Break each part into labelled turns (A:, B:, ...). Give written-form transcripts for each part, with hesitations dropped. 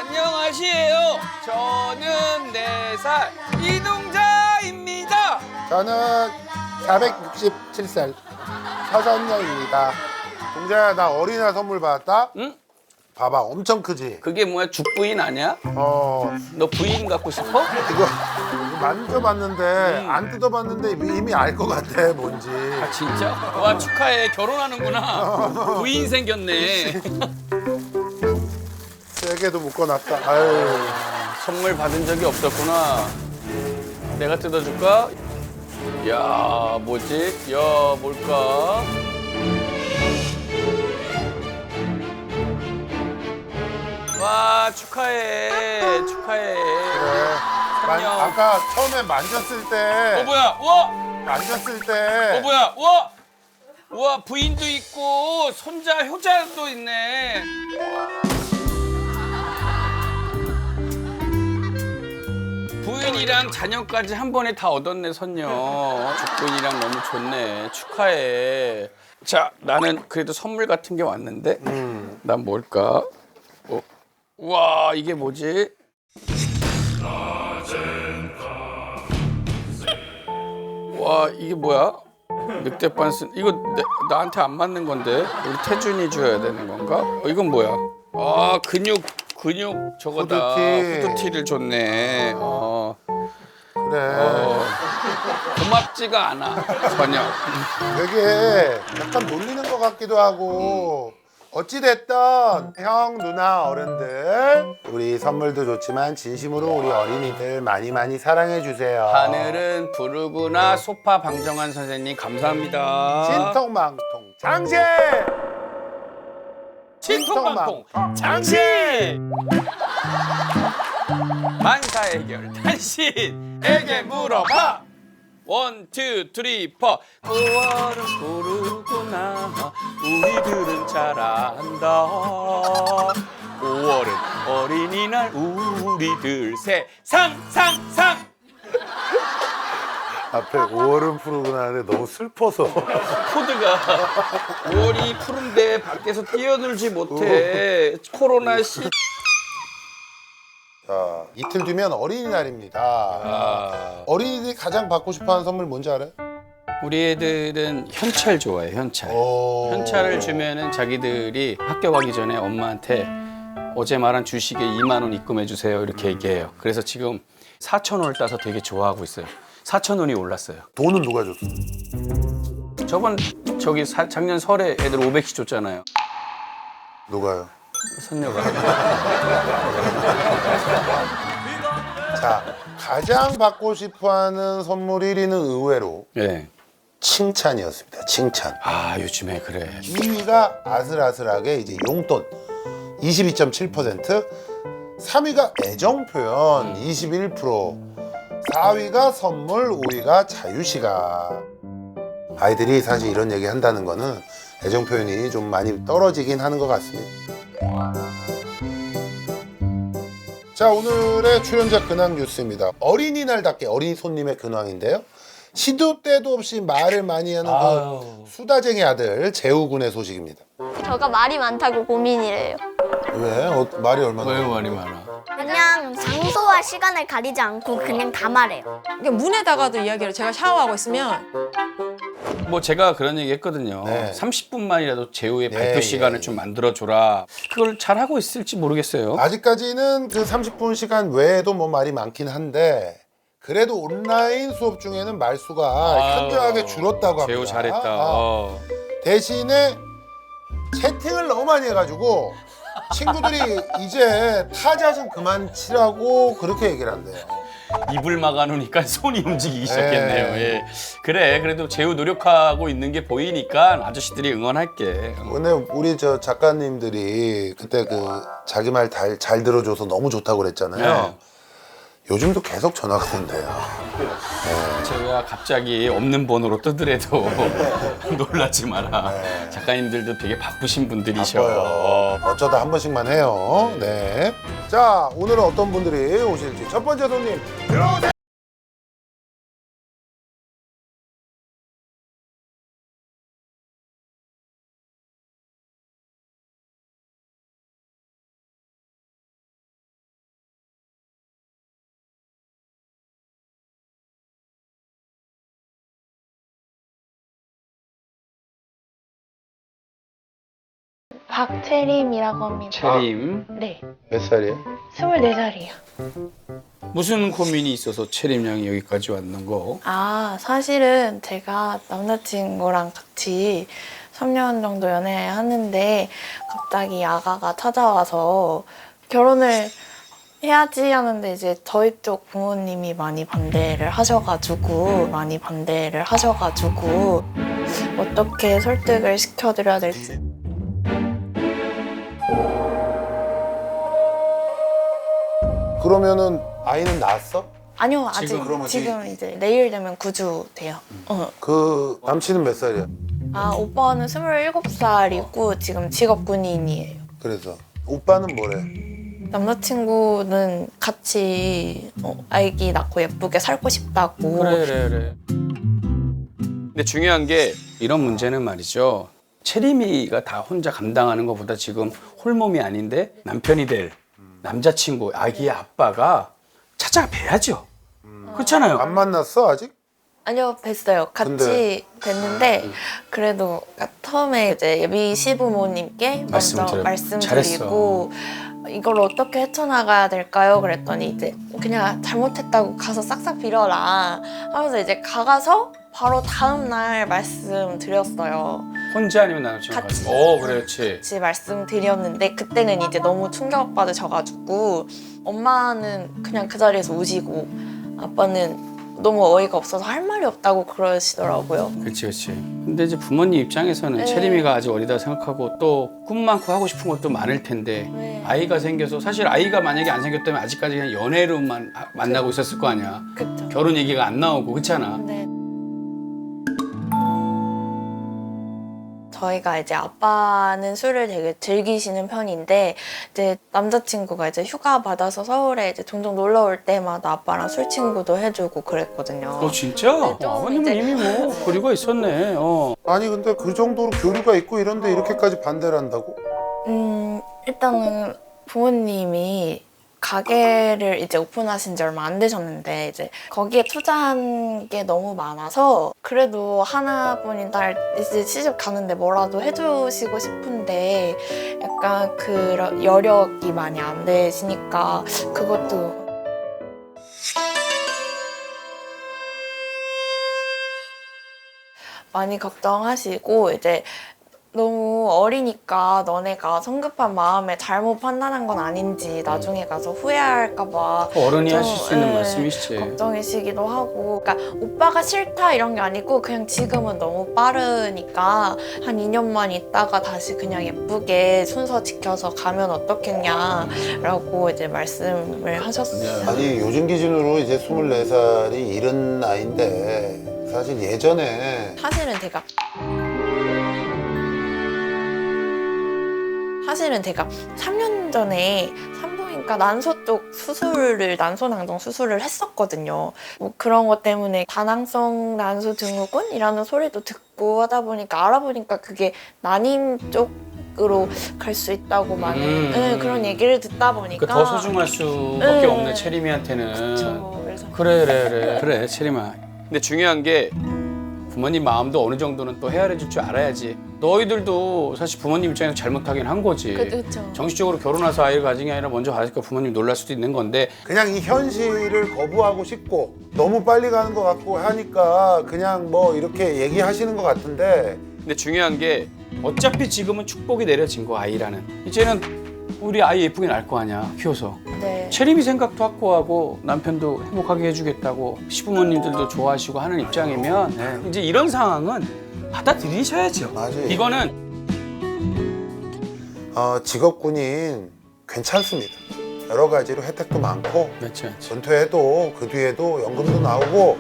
A: 안녕하세요. 저는 4살 이동자입니다.
B: 저는 467살 서선녀입니다. 동자야, 나 어린이날 선물 받았다?
A: 응?
B: 봐봐, 엄청 크지?
A: 그게 뭐야? 죽부인 아니야?
B: 너
A: 부인 갖고 싶어?
B: 이거 만져봤는데 안 뜯어봤는데 이미 알 것 같아, 뭔지.
A: 아 진짜? 와 축하해. 결혼하는구나. 부인 생겼네.
B: 세게도 묶어놨다. 아유.
A: 선물 받은 적이 없었구나. 내가 뜯어줄까? 야 뭐지? 야 뭘까? 와 축하해. 축하해.
B: 그래.
A: 안녕.
B: 아까 처음에 만졌을 때
A: 뭐야? 와!
B: 만졌을 때
A: 뭐야? 와! 우와 부인도 있고 손자 효자도 있네. 부인이랑 자녀까지 한 번에 다 얻었네 선녀. 죽부인이랑 너무 좋네. 축하해. 자 나는 그래도 선물 같은 게 왔는데 난 뭘까? 우와 이게 뭐지? 와 이게 뭐야? 늑대반 쓴 이거 나한테 안 맞는 건데 우리 태준이 줘야 되는 건가? 이건 뭐야? 아 근육 저거다.
B: 후드티.
A: 후드티를 줬네.
B: 그래.
A: 고맙지가 않아 전혀.
B: 되게 약간 놀리는 것 같기도 하고 어찌됐든 형, 누나, 어른들 우리 선물도 좋지만 진심으로 우리 어린이들 많이 많이 사랑해주세요.
A: 하늘은 푸르구나. 소파 방정환 선생님 감사합니다.
B: 신통망통 장신!
A: 신통방통 장신! 만사 해결 당신에게 물어봐. 원, 투, 쓰리, 포. 9월은 푸르구나. 우리들은 잘 안다. 5월은 어린이날 우리들 세상 상상.
B: 앞에 5월은 푸르구나 하는데 너무 슬퍼서
A: 코드가 5월이 푸른데 밖에서 뛰어놀지 못해. 코로나 시.
B: 자, 이틀 뒤면 어린이날입니다. 어린이들이 가장 받고 싶어하는 선물 뭔지 알아요?
A: 우리 애들은 현찰 좋아해. 현찰.
B: 오.
A: 현찰을 주면은 자기들이 학교 가기 전에 엄마한테 어제 말한 주식에 2만 원 입금해 주세요 이렇게 얘기해요. 그래서 지금 4천 원을 따서 되게 좋아하고 있어요. 4천 원이 올랐어요.
B: 돈은 누가 줬어?
A: 저번 작년 설에 애들 500씩 줬잖아요.
B: 누가요?
A: 선녀가.
B: 자, 가장 받고 싶어하는 선물 1위는 의외로
A: 네.
B: 칭찬이었습니다. 칭찬.
A: 아 요즘에 그래.
B: 2위가 아슬아슬하게 이제 용돈 22.7%, 3위가 애정 표현 21%, 4위가 선물, 5위가 자유시간. 아이들이 사실 이런 얘기 한다는 거는 애정 표현이 좀 많이 떨어지긴 하는 것 같습니다. 자, 오늘의 출연자 근황 뉴스입니다. 어린이날답게 어린이 손님의 근황인데요. 시도 때도 없이 말을 많이 하는 그 수다쟁이 아들 재우군의 소식입니다.
C: 저가 말이 많다고 고민이래요.
B: 왜? 말이 얼마나?
A: 왜 말이 많아?
C: 그냥 장소와 시간을 가리지 않고 그냥 다 말해요.
D: 이게 문에다가도 이야기를 제가 샤워하고 있으면
A: 뭐 제가 그런 얘기 했거든요.
B: 네.
A: 30분만이라도 제우의
B: 네,
A: 발표 시간을
B: 예.
A: 좀 만들어줘라. 그걸 잘하고 있을지 모르겠어요.
B: 아직까지는 그 30분 시간 외에도 뭐 말이 많긴 한데 그래도 온라인 수업 중에는 말수가 현저하게 줄었다고 합니다.
A: 제우 잘했다.
B: 대신에 채팅을 너무 많이 해가지고 친구들이 이제 타자 좀 그만 치라고 그렇게 얘기를 한대요.
A: 입을 막아놓으니까 손이 움직이기 시작했네요.
B: 네.
A: 예. 그래, 그래도 제우 노력하고 있는 게 보이니까 아저씨들이 응원할게.
B: 근데 우리 저 작가님들이 그때 그 자기 말 잘 들어줘서 너무 좋다고 그랬잖아요.
A: 네.
B: 요즘도 계속 전화가 온대요.
A: 제가 갑자기 없는 번호로 뜨더라도 놀라지 마라. 작가님들도 되게 바쁘신 분들이셔.
B: 바빠요. 어쩌다 한 번씩만 해요. 네. 자, 오늘은 어떤 분들이 오실지. 첫 번째 손님 들어오세요.
E: 박채림이라고 합니다.
A: 채림.
E: 네,
B: 몇 살이에요?
E: 24살이에요.
A: 무슨 고민이 있어서 채림 양이 여기까지 왔는 거?
E: 사실은 제가 남자친구랑 같이 3년 정도 연애하는데 갑자기 아가가 찾아와서 결혼을 해야지 하는데 이제 저희 쪽 부모님이 많이 반대를 하셔가지고 어떻게 설득을 시켜드려야 될지.
B: 그러면은 아이는 낳았어?
E: 아니요, 아직
A: 지금
B: 그러면
E: 지금 이제 내일 되면 구주 돼요.
B: 그 남친은 몇 살이야?
E: 오빠는 27살이고 지금 직업 군인이에요.
B: 그래서 오빠는 뭐래?
E: 남자친구는 같이 아기 낳고 예쁘게 살고 싶다고.
A: 그래. 근데 중요한 게 이런 문제는 말이죠. 채림이가 다 혼자 감당하는 것보다 지금 홀몸이 아닌데 남편이 될 남자친구, 아기의 아빠가 찾아뵈야죠. 그렇잖아요.
B: 안 만났어 아직?
E: 아니요, 뵀어요. 같이 뵀는데 그래도 처음에 이제 예비 시부모님께 먼저 말씀드리고 이걸 어떻게 헤쳐나가야 될까요? 그랬더니 이제 그냥 잘못했다고 가서 싹싹 빌어라 하면서 이제 가서 바로 다음 날 말씀드렸어요.
A: 혼자 아니면 남자친구
E: 같이.
A: 그렇지.
E: 같이 말씀드렸는데 그때는 이제 너무 충격받으셔가지고 엄마는 그냥 그 자리에서 우시고 아빠는 너무 어이가 없어서 할 말이 없다고 그러시더라고요.
A: 그렇지. 근데 이제 부모님 입장에서는
E: 네.
A: 채림이가 아직 어리다 생각하고 또 꿈 많고 하고 싶은 것도 많을 텐데
E: 네.
A: 아이가 생겨서 사실 아이가 만약에 안 생겼다면 아직까지 그냥 연애로만 만나고 있었을 거 아니야.
E: 그쵸.
A: 결혼 얘기가 안 나오고 그렇잖아.
E: 네. 저희가 이제 아빠는 술을 되게 즐기시는 편인데 이제 남자친구가 이제 휴가 받아서 서울에 이제 종종 놀러 올 때마다 아빠랑 술 친구도 해주고 그랬거든요.
A: 진짜?
E: 좀
A: 아버님은
E: 이제-
A: 이미 뭐 교류가 있었네.
B: 아니 근데 그 정도로 교류가 있고 이런데 이렇게까지 반대를 한다고?
E: 일단은 부모님이 가게를 이제 오픈하신 지 얼마 안 되셨는데 이제 거기에 투자한 게 너무 많아서 그래도 하나뿐인 딸 이제 시집 가는데 뭐라도 해주시고 싶은데 약간 그런 여력이 많이 안 되시니까 그것도 많이 걱정하시고 이제 너무 어리니까 너네가 성급한 마음에 잘못 판단한 건 아닌지 나중에 가서 후회할까 봐
A: 어른이
E: 좀,
A: 하실 수 있는
E: 예,
A: 말씀이시지.
E: 걱정이시기도 하고 그러니까 오빠가 싫다 이런 게 아니고 그냥 지금은 너무 빠르니까 한 2년만 있다가 다시 그냥 예쁘게 순서 지켜서 가면 어떻겠냐라고 이제 말씀을 하셨어요.
B: 아니 요즘 기준으로 이제 24살이 이른 나이인데 사실 예전에
E: 사실은 제가 3년 전에 산부인과 난소 쪽 난소낭정 수술을 했었거든요. 뭐 그런 것 때문에 다낭성 난소 증후군이라는 소리도 듣고 하다 보니까 알아보니까 그게 난임 쪽으로 갈 수 있다고 많은 그런 얘기를 듣다 보니까
A: 더 소중할 수밖에
E: 네.
A: 없네 채림이한테는.
E: 그쵸. 그래서
A: 그래 채림아. 근데 중요한 게 부모님 마음도 어느 정도는 또 헤아려 줄 줄 알아야지. 너희들도 사실 부모님 입장에서 잘못하긴 한 거지.
E: 그쵸.
A: 정식적으로 결혼해서 아이를 가진 게 아니라 먼저 가지니까 부모님 놀랄 수도 있는 건데
B: 그냥 이 현실을 거부하고 싶고 너무 빨리 가는 것 같고 하니까 그냥 뭐 이렇게 얘기하시는 것 같은데
A: 근데 중요한 게 어차피 지금은 축복이 내려진 거 아이라는. 이제는 우리 아이 예쁘게 낳을 거 아니야 키워서.
E: 네.
A: 채림이 생각도 확고하고 남편도 행복하게 해주겠다고 시부모님들도 좋아하시고 하는 입장이면 이제 이런 상황은 받아들이셔야죠.
B: 맞아요.
A: 이거는
B: 직업군인 괜찮습니다. 여러 가지로 혜택도 많고
A: 그렇죠.
B: 은퇴해도 그 뒤에도 연금도 나오고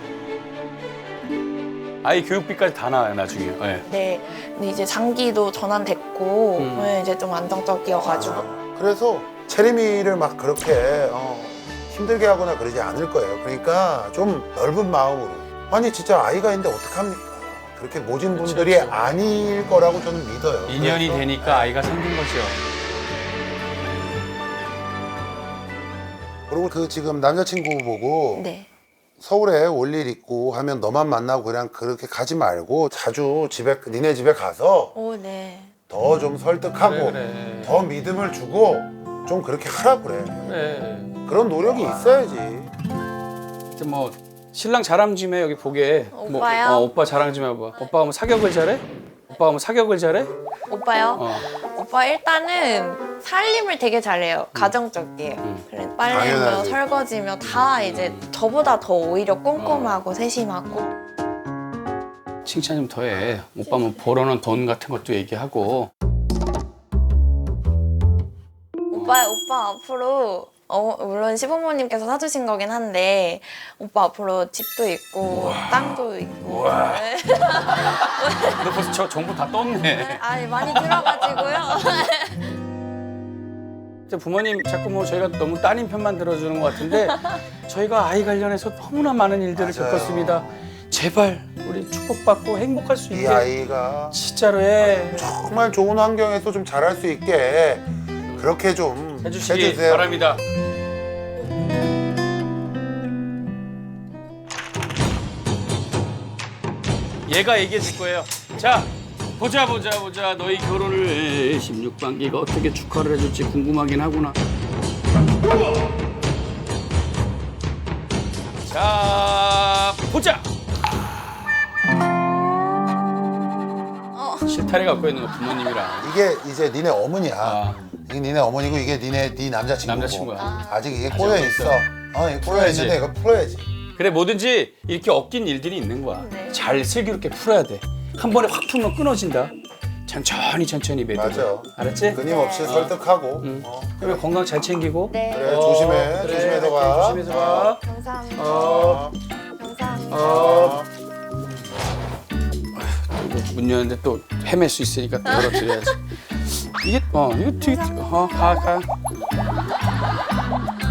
A: 아이 교육비까지 다 나와요 나중에. 네.
E: 네. 근데 이제 장기도 전환됐고 이제 좀 안정적이어가지고
B: 그래서 채림이를 막 그렇게 힘들게 하거나 그러지 않을 거예요. 그러니까 좀 넓은 마음으로 아니 진짜 아이가 있는데 어떡합니까? 그렇게 모진 분들이
A: 그렇죠.
B: 아닐 거라고 저는 믿어요.
A: 인연이
B: 그래서
A: 되니까 아이가 생긴 거죠.
B: 그리고 그 지금 남자친구 보고
E: 네.
B: 서울에 올 일 있고 하면 너만 만나고 그냥 그렇게 가지 말고 자주 니네 집에 가서
E: 오, 네.
B: 더 좀 설득하고
A: 그래.
B: 더 믿음을 주고 좀 그렇게 하라 그래.
A: 그래.
B: 그런 노력이 있어야지.
A: 이제 뭐 신랑 자랑 좀 해 여기 보게.
E: 오빠요?
A: 뭐, 오빠 자랑 좀 해봐. 오빠가 뭐 사격을 잘해? 오빠가 뭐 사격을 잘해?
E: 오빠요?
A: 어.
E: 오빠 일단은 살림을 되게 잘해요. 가정적이에요. 그래 빨래며
B: 당연하지.
E: 설거지며 다 이제 저보다 더 오히려 꼼꼼하고 세심하고.
A: 칭찬 좀 더 해. 오빠 뭐 벌어놓은 돈 같은 것도 얘기하고.
E: 오빠 앞으로 물론 시부모님께서 사주신 거긴 한데 오빠 앞으로 집도 있고 땅도 있고 네.
A: 너 벌써 저 정보 다 떴네.
E: 아니 많이 들어가지고요.
A: 이제 부모님 자꾸 뭐 저희가 너무 따님 편만 들어주는 것 같은데 저희가 아이 관련해서 너무나 많은 일들을
B: 맞아요.
A: 겪었습니다. 제발 우리 축복받고 행복할 수
B: 이
A: 있게
B: 아이가
A: 진짜로 해.
B: 정말 좋은 환경에서 좀 자랄 수 있게 그렇게 좀
A: 해주시기
B: 해주세요.
A: 바랍니다. 얘가 얘기해 줄 거예요. 자, 보자. 너희 결혼을 16반기가 어떻게 축하를 해줄지 궁금하긴 하구나. 자, 보자. 실타래 갖고 있는 거 부모님이랑.
B: 이게 이제 니네 어머니야.
A: 아.
B: 이게 니네 어머니고 이게 네 남자친구고.
A: 남자친구야.
B: 아직 이게 꼬여 있어. 이게 꼬여
A: 풀어야지.
B: 있는데 이거 풀어야지.
A: 그래 뭐든지 이렇게 엮인 일들이 있는 거야.
E: 네.
A: 잘 슬기롭게 풀어야 돼. 한 번에 확 풀면 끊어진다. 천천히 매듭.
B: 맞아.
A: 알았지?
B: 끊임없이 설득하고.
A: 그래 건강 잘 챙기고.
E: 네.
B: 그래 조심해.
A: 그래,
B: 조심해서 가.
A: 조심해서 가.
E: 감사합니다.
B: 어.
E: 감사합니다.
B: 어.
A: 문 여는데 또 헤맬 수 있으니까 또 열어드려야지. 이게 이거 되게 가.